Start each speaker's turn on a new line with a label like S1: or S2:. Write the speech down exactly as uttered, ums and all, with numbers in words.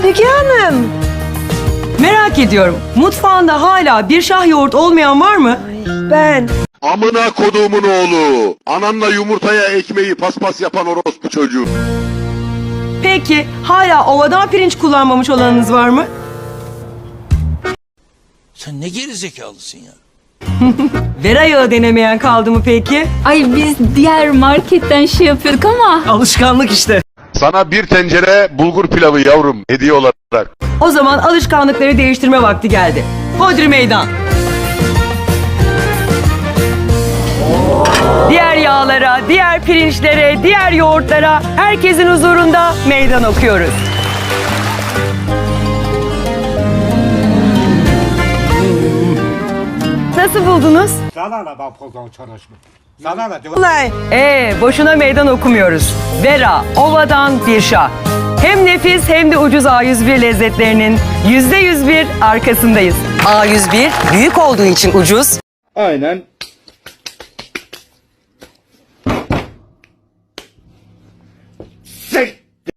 S1: Müge Hanım.
S2: Merak ediyorum. Mutfağında hala bir şah yoğurt olmayan var mı?
S1: Ben.
S3: Amına koduğumun oğlu. Ananla yumurtaya ekmeği paspas yapan orospu çocuğu.
S2: Peki hala ovadan pirinç kullanmamış olanınız var mı?
S4: Sen ne gerizekalısın ya?
S2: Vera yağı denemeyen kaldı mı peki?
S5: Ay biz diğer marketten şey yapıyorduk ama.
S2: Alışkanlık işte.
S3: Sana bir tencere bulgur pilavı yavrum hediye olarak.
S2: O zaman alışkanlıkları değiştirme vakti geldi. Hodri meydan. Diğer yağlara, diğer pirinçlere, diğer yoğurtlara herkesin huzurunda meydan okuyoruz. Nasıl buldunuz?
S6: Sana ne ben pozdan çalışma. Sana ne?
S1: Olay.
S2: Ee, boşuna meydan okumuyoruz. Vera, ovadan bir şah. Hem nefis hem de ucuz A yüz bir lezzetlerinin yüzde yüz bir arkasındayız. A yüz bir büyük olduğu için ucuz.
S7: Aynen